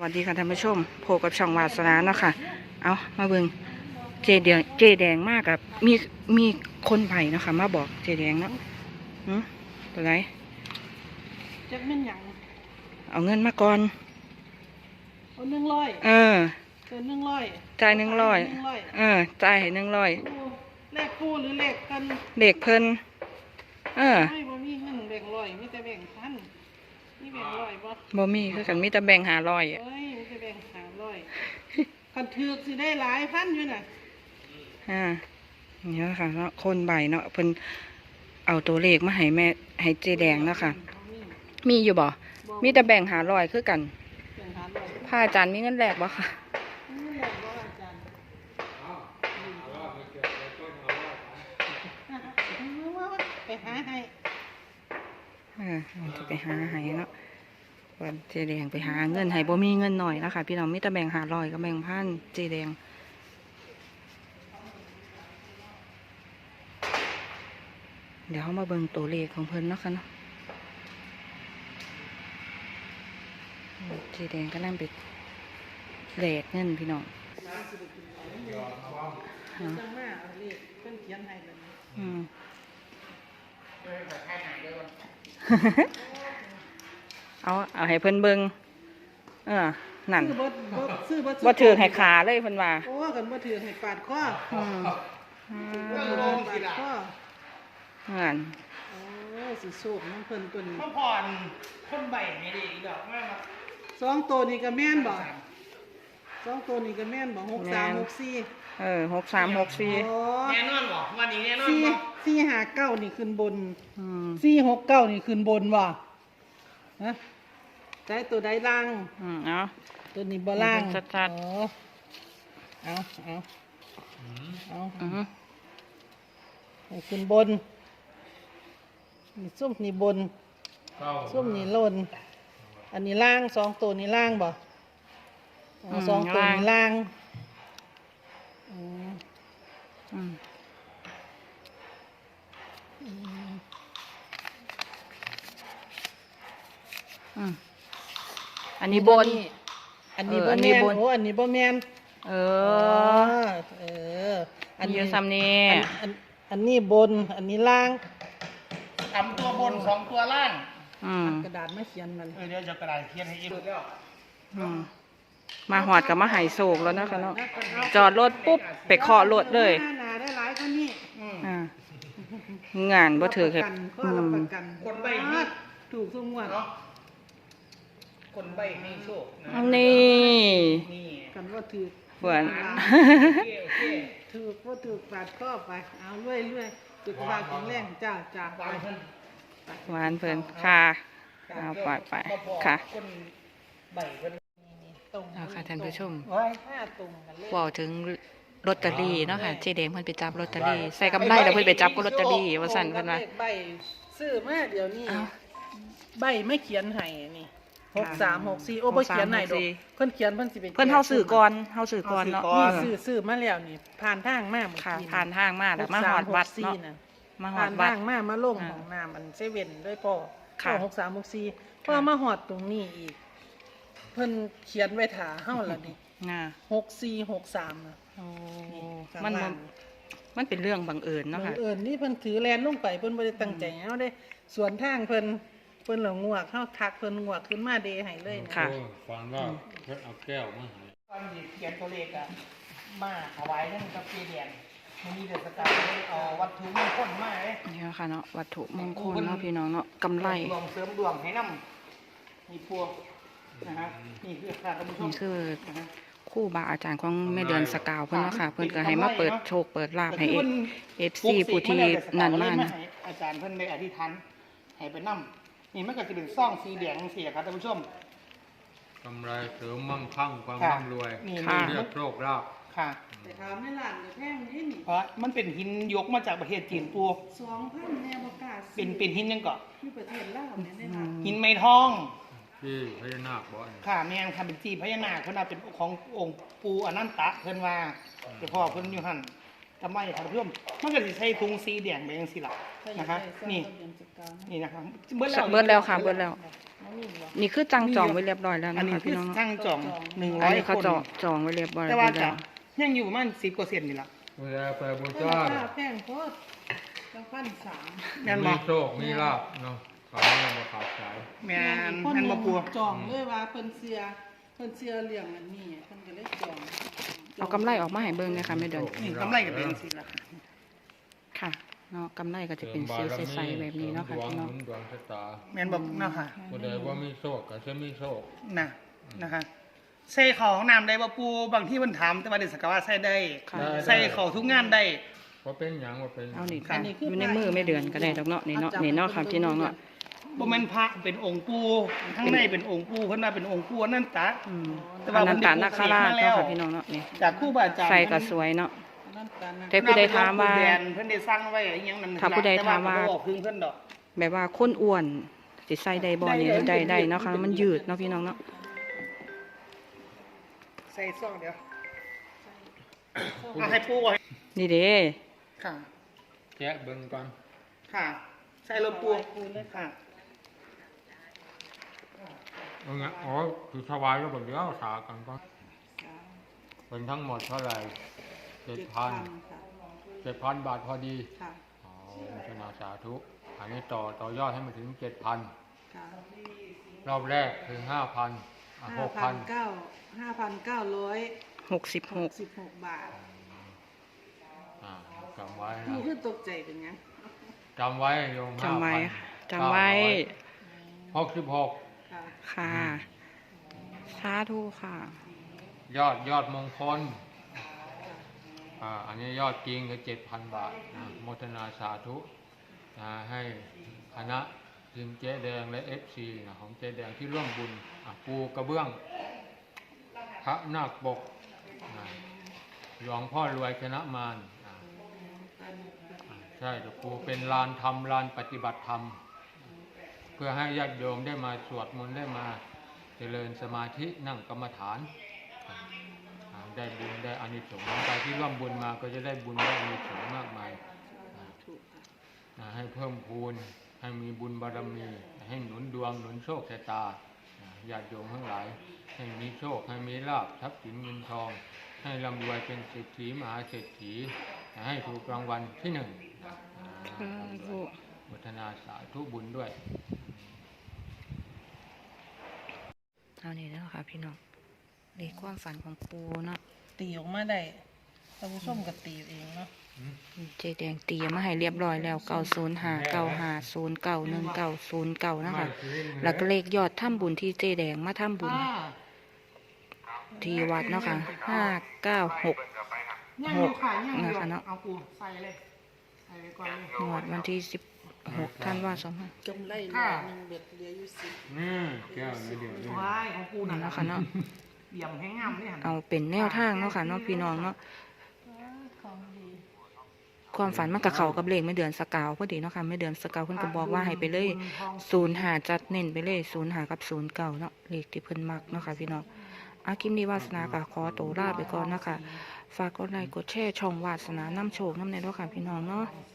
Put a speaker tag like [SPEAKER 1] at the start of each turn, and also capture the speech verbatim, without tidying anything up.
[SPEAKER 1] สวัสดีค่ะท่านผู้ชมโผล่กับช่องวาสนาเนาะค่ะเอามาเบิ่งเจแดงเจแดงมากกับมีมีคนไผ่เนาะค่ะมาบอกเจแดงเนาะหืมตัวไหน
[SPEAKER 2] จักแม่นหยัง
[SPEAKER 1] เอาเงินมาก่อน
[SPEAKER 2] เอาหนึ่งร้อย
[SPEAKER 1] เออ
[SPEAKER 2] เกินหนึ่งร้อย
[SPEAKER 1] จ่ายหนึ่งร้อยเออจ่ายหนึ่งร้อย
[SPEAKER 2] เลขคู่หรือเลขกัน
[SPEAKER 1] เด็กเพิ่นเออ
[SPEAKER 2] ไม่บ่มีเงินแบ่งร้อยมีแต่แบ่งพันมีแบ่งร้อยบ่
[SPEAKER 1] บ่มีคือกันมีแต่แบ่งหาร้อย
[SPEAKER 2] เอ้ยมีแต่แบ่งหาร้อยคันถือสิได้หลายพันอยู่น่ะ
[SPEAKER 1] อ่าเนี่ยค่ะเนาะคนใบเนาะเพิ่นเอาตัวเลขมาให้แม่ให้เจแดงเนาะค่ะมีอยู่บ่มีแต่แบ่งหาร้อยคือกันพระอาจารย์มีเงินแลกบ่ค่ะ
[SPEAKER 2] ไปหาให้
[SPEAKER 1] เออจะไปหาให้เนาะวันเจแดงไปหาเงินให้บ่มีเงินหน่อยแล้วค่ะพี่น้องมีแต่แบ่งหาร้อยกับแบ่งพันเจแดงเดี๋ยวเขามาเบิ่งตัวเลขของเพิ่นเนาะค่ะเนาะเจแดงก็นั่งไปแลกเงินพี่น้องอืมเอาเอาให้เพิ่นเบิ่งเออนั่นบ่ถือให้ขาเลยเพิ่นว่า
[SPEAKER 2] โอ้กันบ่ถือให้ปาดคอ
[SPEAKER 1] อืม
[SPEAKER 2] ปาดคอ
[SPEAKER 1] นั่น
[SPEAKER 2] โอ้สิโชคน้ำเพิ่นตัวนี้
[SPEAKER 3] พ่อผ่อนคนใบไม่ดีดอกแม่มา
[SPEAKER 2] สองตัวนี้ก็แม่นบ่สองตัวนี้ก็แม่นบ่หกสามหกสี่
[SPEAKER 1] เออหกสามหกสี่
[SPEAKER 3] แน่นอนบ่วันนี้แน่นอน
[SPEAKER 2] สี่
[SPEAKER 3] บ่
[SPEAKER 2] สี่ห้าเก้านี่ขึ้นบนสี่หกเก้านี่ขึ้นบนบ่ฮะใจตัวใดล่าง
[SPEAKER 1] อืมเอา
[SPEAKER 2] ตัวนี้บ่ล่าง
[SPEAKER 1] ชัดๆ
[SPEAKER 2] เอาเอาเอา
[SPEAKER 1] อือ
[SPEAKER 2] ให้ขึ้นบนนี่ส้มนี่บนส้มนี่ล่นอันนี้ล่างสองตัวนี้ล่างบ่สองตัวนี้ล่างอืม
[SPEAKER 1] อืมอืมอันนี้บน
[SPEAKER 2] อันนี้บ่แม่นโอ้อันนี้บ่แม่น
[SPEAKER 1] เออ
[SPEAKER 2] เออ
[SPEAKER 1] อันนี้ซ้ำนี่
[SPEAKER 2] อันอันนี้บนอันนี้ล่าง
[SPEAKER 3] ทำตัวบนสองตัวล่าง
[SPEAKER 1] อืม
[SPEAKER 2] กระดาษไม่เขียนมัน
[SPEAKER 3] เออเดี๋ยวจะกระดาษเขียนให้อีกแล้ว
[SPEAKER 1] อืมมาหอดกับมาหายโศกแล้วนะคะเนาะจอดรถปุ๊บไปเคาะรถเลย
[SPEAKER 2] ได้หลายกว่านี้
[SPEAKER 1] อ่างานบ่ถือครับ
[SPEAKER 3] คนใบนี่
[SPEAKER 2] ถูกสมงวด
[SPEAKER 3] เนาะคนใบให้โชคนะ
[SPEAKER 1] นี่
[SPEAKER 3] นี่
[SPEAKER 2] กันว่าถือ
[SPEAKER 1] เหมือน
[SPEAKER 2] ถือว่าถือปาดข้อไปเอาเรื่อยเรื่อยจุดวางแข็งแรงจ้าจ้าไป
[SPEAKER 1] หวานเพิ่นค่ะเอาปล่อยไปค่ะเอาค่ะท่านผู้ชมบอกถึงลอตเตอรี่เนาะค่ะเจแดงเพิ่นไปจับลอตเตอรี่ใส่กำไรแล้วเพิ่นไปจับก็ลอตเตอรี่ว่าสั่นเพิ่นว่า
[SPEAKER 2] ใบซื้อมาเดี๋ยวนี้ใบไม่เขียนให้นี่หกสามหกสี่โอ้บ่เขียนให้ดอกเพิ่นเขียนเพิ่นสิเป็น
[SPEAKER 1] เพิ่นเฮาซื้อก่อนเฮาซื้อก่อนเนาะ
[SPEAKER 2] นี่ซื้อซื้อมาแล้วนี่ผ่านทางมาเมื่อ
[SPEAKER 1] กี้ผ่านทางมาแล้วมาฮอดวัดเนาะ
[SPEAKER 2] มาฮอดวัดมามาลงของน้ำมันเซเว่นด้วยพ่อค่ะหกสามหกสี่พอมาฮอดตรงนี้อีกเพิ่นเขียนไว้ถาเฮาแล้วนี่หกสี่หกสามนะ
[SPEAKER 1] โอ้มันมันเป็นเรื่องบังเอิญเนาะค่ะ
[SPEAKER 2] บังเอิญนี่เพิ่นถือแลนลงไปเพิ่นบ่ได้ตั้งใจเฮาได้สวนทางเพิ่นเพิ่นเหล่างวกเฮาทักเพิ่นงวกขึ้นมาเดให้เลยนะ
[SPEAKER 1] ค่ะ
[SPEAKER 4] ฟังว่าเพิ่นเอาแก้วมาให้
[SPEAKER 3] ตอนเขียนตัวเลขอะมาเอาไว้นั่นกับเจแดงมันมีเดือดสกัดเอาวัตถุมงคลมาเลย
[SPEAKER 1] นี่ค่ะเนาะวัตถุมงคลเนาะพี่น้องเนาะกำไร
[SPEAKER 3] ดวงเสริมดวงให้น้ำมีพวกนะฮะนี่คือค่ะท่านผู้ชม
[SPEAKER 1] นี่คือคู่บาอาจารย์ของแม่เดือนสกาวเพิ่นเนาะค่ะเพิ่นก็ให้มาเปิดโชคเปิดลาภให้เอฟซีผู้ที่นั่นมาก
[SPEAKER 3] อาจารย์เพิ่นได้อธิษฐานให้ไปน้ำนี่มันก็จะเป็นซ่องสีแดงเสียครับท่านผู้ชม
[SPEAKER 4] กำไรเสริมมั่งคั่งความร่ำรวยเรียกโชคลาภ
[SPEAKER 3] ค่ะ
[SPEAKER 2] แต่ถามในร้านก็แพงนี่นี่
[SPEAKER 3] เพราะมันเป็นหินยกมาจากประเทศจีนปู
[SPEAKER 2] สองพันแน่บ่กล้า
[SPEAKER 3] เป็นเป็นหินยังเกาะ
[SPEAKER 2] ที่ประเทศลาวเนี่ยได้มา
[SPEAKER 3] หินไม้ทอง
[SPEAKER 4] ที่พญานาคบ่
[SPEAKER 3] ค่ะแม่นค่ะเป็นจีพญานาคเพิ่นว่าเป็นขององค์ปู่อนันตะเพิ่นว่าเจ้าพ่อเพิ่นอยู่หั่นกำไรครับเพื่อนมันก็จะใช้ถุงสีแดงไปยังสิล่ะนะคะนี่นี่นะครับเบิดแล้ว
[SPEAKER 1] เบิดแล้วค่ะเบิดแล้ว
[SPEAKER 2] น้องนี่บ่
[SPEAKER 1] นี่คือจังจองไว้เรียบร้อยแล้ว
[SPEAKER 3] อัน
[SPEAKER 1] นะ
[SPEAKER 3] นี้
[SPEAKER 1] คะ
[SPEAKER 3] คื
[SPEAKER 1] พี่
[SPEAKER 3] อ
[SPEAKER 1] น้องเนาะ
[SPEAKER 3] ช่างจองหนึ่ง
[SPEAKER 1] อั
[SPEAKER 3] ร้
[SPEAKER 1] น
[SPEAKER 3] อย
[SPEAKER 1] นี้
[SPEAKER 3] ค
[SPEAKER 1] เขา
[SPEAKER 3] น
[SPEAKER 1] จองจองไว้เรียบร้อย
[SPEAKER 3] แต่
[SPEAKER 1] แล้
[SPEAKER 3] ว่าว จะ
[SPEAKER 1] แล้ว
[SPEAKER 3] ยังอยู่ประมาณสิบเปอร์เซ็นต์นี่ล่ะ
[SPEAKER 4] เวลาไปบู
[SPEAKER 2] เออ
[SPEAKER 4] ชา
[SPEAKER 2] ค่าแพงโพดจังพันสาม
[SPEAKER 3] แม่น
[SPEAKER 4] มี
[SPEAKER 3] บ่
[SPEAKER 4] โชคมีลาภเนาะเขาไม่มาขาดสาย
[SPEAKER 3] แม่น
[SPEAKER 2] คน
[SPEAKER 3] แม่นบ่ปัว
[SPEAKER 2] จองเลยว่าเพิ่นเสียเพิ่นเสียเรื่องอันนี้เพิ่นก็เลยจอง
[SPEAKER 1] เอากำไรออกมาให้เบิ่งเลยค่ะแม่เดือน
[SPEAKER 3] นี่กำไรก็เป็นจังซี่ล่ะ
[SPEAKER 1] ค่ะเนาะกำไรก็จะเป็นสีใสๆแบบนี้เนาะค่ะ
[SPEAKER 4] ดวง
[SPEAKER 1] พี่น้อง
[SPEAKER 4] หนุนดวงชะตา
[SPEAKER 3] แม่นบ่เนาะค่ะ
[SPEAKER 4] ผู้ใดว่ามีโชคก็จะมีโชค
[SPEAKER 3] นะนะคะใส่เข้าห้องน้ำได้บ่ปูบางที่เพิ่นถามแต่ว่าเดี๋ยวสกว่าใส่ได้
[SPEAKER 1] ค่ะ
[SPEAKER 3] ใส่เข้าทุกงานได้
[SPEAKER 4] ว่าเป็นหยังว่าเป็นหยัง
[SPEAKER 1] เอานี่
[SPEAKER 3] ค่ะ
[SPEAKER 1] อยู่ในมือแม่เดือนก็ได้ดอกเนาะนี่เนาะนี่เนาะค่ะพี่น้องเนาะ
[SPEAKER 3] บ่แม่นพระเป็นองค์ปู่ข้างในเป็นองค์ปู่เพิ่นว่าเป็นองค์ปู่อนันตะ
[SPEAKER 1] อืม
[SPEAKER 3] แต่
[SPEAKER 1] อ
[SPEAKER 3] ว่า
[SPEAKER 1] นันตานาคราช
[SPEAKER 3] มันได้
[SPEAKER 1] เนาะ
[SPEAKER 3] ปลูกเสกมาแล้ว
[SPEAKER 1] ค่ะพี่น้องเนาะนี่
[SPEAKER 3] จากครูบาอาจารย์
[SPEAKER 1] ใส่ก็สวยเนาะ
[SPEAKER 2] นั่นกันนะ
[SPEAKER 1] แต่ผู้ใดถามว่า
[SPEAKER 3] เพิ่นเป็นหลวงปู่แดนเพิ่นได้สร้างไว้อะไรอหยังนั่น
[SPEAKER 1] ถ้าผู้ใดถามว่า
[SPEAKER 3] แต่เพิ่นบ่บอกถึงเพิ่นดอก
[SPEAKER 1] แบบว่าคนอ้วนสิใส่ได้บ่นี่ได้ได้เนาะค่ะมันยืดเนาะพี่น้องเนาะ
[SPEAKER 3] ใส่ซองเดียวเอาให้ปู่ไว้
[SPEAKER 1] นี่เด้
[SPEAKER 3] ค่ะ
[SPEAKER 4] แกะเบิ่งก่อน
[SPEAKER 3] ค่ะ ใส่รถปู่เลยค่ะ
[SPEAKER 4] เอาไงอ๋อคือถวายแล้วบ่เดี๋ยวสากันก่อนเป็นทั้งหมดเท่าไหร่เจ็ดพัน
[SPEAKER 2] ค่ะ
[SPEAKER 4] เจ็ดพันบาทพอดี
[SPEAKER 2] ค่ะ
[SPEAKER 4] อ๋อชนะสาธุอันนี้ต่อต่อยอดให้มันถึงเจ็ดพัน
[SPEAKER 2] ค่ะ
[SPEAKER 4] รอบแรกถึงห้าพันหกพัน
[SPEAKER 2] เก้าห้าพันเก้าร้อย
[SPEAKER 1] หกสิบห
[SPEAKER 2] ห
[SPEAKER 1] ก
[SPEAKER 2] กสิบหกบาท
[SPEAKER 4] อ่าจำไว้
[SPEAKER 2] ผู้
[SPEAKER 4] นะ
[SPEAKER 2] ขึ้นตกใจเป็นไง
[SPEAKER 4] จำไว้โยม
[SPEAKER 1] จำไว้
[SPEAKER 4] 5,000
[SPEAKER 1] จำไว้
[SPEAKER 4] หกสิบหก
[SPEAKER 2] ค่ะ
[SPEAKER 1] ค่ะสาธุค่ะ
[SPEAKER 4] ยอดยอดมงคลอ่าอันนี้ยอดจริงคือเจ็ดพันบาทนะโมทนาสาธุนะให้คณะทีมเจ๊แดงและเอฟซีนะของเจ๊แดงที่ร่วมบุญอ่ะปูกระเบื้องพระนาคปกนะหลวงพ่อรวยชนะมารนะอ่าใช่เดี๋ยวปูเป็นลานธรรมลานปฏิบัติธรรม เพื่อให้ญาติโยมได้มาสวดมนต์ได้มาเจริญสมาธินั่งกรรมฐานอ่าได้บุญได้อานิสงส์ใครที่ร่วมบุญมาก็จะได้บุญได้อานิสงส์มากมายอ่าให้เพิ่มพูนให้มีบุญบารมีให้หนุนดวงหนุนโชคชะตาอ่าญาติโยมทั้งหลายให้มีโชคให้มีลาภทรัพย์สินเงินทอง ให้ร่ำรวยเป็นเศรษฐีมหาเศรษฐีให้ถูกรางวัลที่หนึ่งอ่า
[SPEAKER 1] สาธุ
[SPEAKER 4] อนุโมทนาสาธุบุญด้วย
[SPEAKER 1] เอานี่แล้วค่ะพี่น้องเลขความฝันของปูเนาะ
[SPEAKER 2] ตีออกมาได้ท่านผู้ชมก็ตีเองเนาะ
[SPEAKER 1] เจแดงตีมาให้เรียบร้อยแล้วเก้าศูนย์ห้าเก้าห้าศูนย์เก้าหนึ่งเก้าศูนย์เก้านะคะแล้วก็เลขยอดถ้ำบุญที่เจแดงมาถ้ำบุญที่วัดเนาะค่ะห้าเก้าหก
[SPEAKER 3] ย่างอยู่ค่ะย่างอยู่
[SPEAKER 1] นะคะเนาะ
[SPEAKER 3] เอาปูใส่เลยใส่ไปก่อนเลย
[SPEAKER 1] งวดวันที่สิบหกท่านว่าสองพัน
[SPEAKER 2] กำไรเหลือหนึ่งเบ็ดเหลืออยู่สิบ
[SPEAKER 4] นี่แก้วนี่เดี๋ยวนี่
[SPEAKER 3] ว้ายของปูนั่น
[SPEAKER 1] เนาะ
[SPEAKER 3] นะ
[SPEAKER 1] ค่ะเนาะ
[SPEAKER 3] เหลี่ยมแห้งงามเลยหัน
[SPEAKER 1] เอาเป็นแนวทางเนาะค่ะเนาะพี่น้องเนาะ
[SPEAKER 2] ของดี
[SPEAKER 1] ความฝันมันกับเขากับเลขไม่เดือนสกาวพอดีเนาะค่ะไม่เดือนสกาวเพิ่นก็บอกว่าให้ไปเลยศูนย์หาจัดเน้นไปเลยศูนย์หากับศูนย์เก่าเนาะเลขที่เพิ่นมักเนาะค่ะพี่น้องอากิมดีวาสนากับขอตัวลาไปก่อนนะคะฝากกดไลค์กดแชร์ช่องวาสนาน้ำโชคน้ำในด้วยค่ะพี่น้องเนาะ
[SPEAKER 3] ส